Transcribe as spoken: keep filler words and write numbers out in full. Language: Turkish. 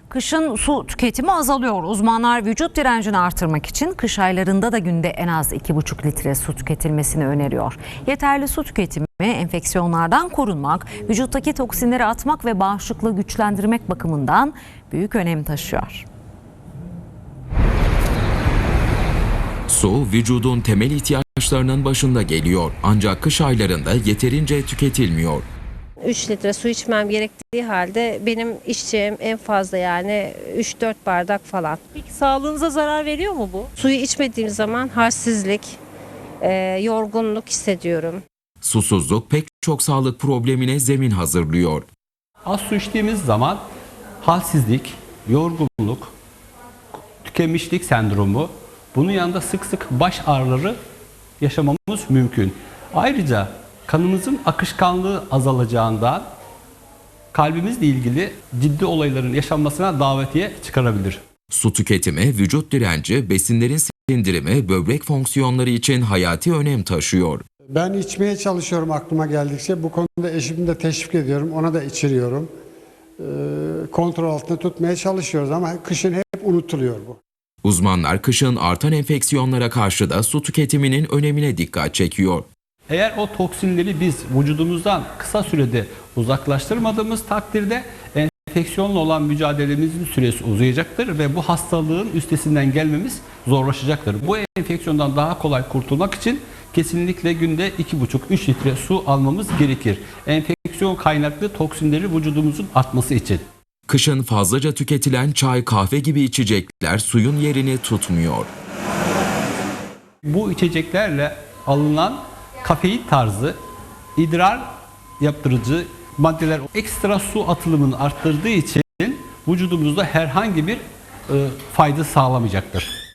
Kışın su tüketimi azalıyor. Uzmanlar vücut direncini artırmak için kış aylarında da günde en az iki buçuk litre su tüketilmesini öneriyor. Yeterli su tüketimi enfeksiyonlardan korunmak, vücuttaki toksinleri atmak ve bağışıklığı güçlendirmek bakımından büyük önem taşıyor. Su vücudun temel ihtiyaçlarının başında geliyor. Ancak kış aylarında yeterince tüketilmiyor. üç litre su içmem gerektiği halde benim içeceğim en fazla yani üç dört bardak falan. Peki sağlığınıza zarar veriyor mu bu? Suyu içmediğim zaman halsizlik, e, yorgunluk hissediyorum. Susuzluk pek çok sağlık problemine zemin hazırlıyor. Az su içtiğimiz zaman halsizlik, yorgunluk, tükenmişlik sendromu, bunun yanında sık sık baş ağrıları yaşamamız mümkün. Ayrıca kanımızın akışkanlığı azalacağından kalbimizle ilgili ciddi olayların yaşanmasına davetiye çıkarabilir. Su tüketimi, vücut direnci, besinlerin sindirimi, böbrek fonksiyonları için hayati önem taşıyor. Ben içmeye çalışıyorum aklıma geldikçe. Bu konuda eşimi de teşvik ediyorum. Ona da içiriyorum. Ee, kontrol altında tutmaya çalışıyoruz ama kışın hep unutuluyor bu. Uzmanlar kışın artan enfeksiyonlara karşı da su tüketiminin önemine dikkat çekiyor. Eğer o toksinleri biz vücudumuzdan kısa sürede uzaklaştırmadığımız takdirde enfeksiyonla olan mücadelemizin süresi uzayacaktır ve bu hastalığın üstesinden gelmemiz zorlaşacaktır. Bu enfeksiyondan daha kolay kurtulmak için kesinlikle günde iki buçuk üç litre su almamız gerekir. Enfeksiyon kaynaklı toksinleri vücudumuzun atması için. Kışın fazlaca tüketilen çay, kahve gibi içecekler suyun yerini tutmuyor. Bu içeceklerle alınan kafein tarzı idrar yaptırıcı maddeler ekstra su atılımını arttırdığı için vücudumuzda herhangi bir e, fayda sağlamayacaktır.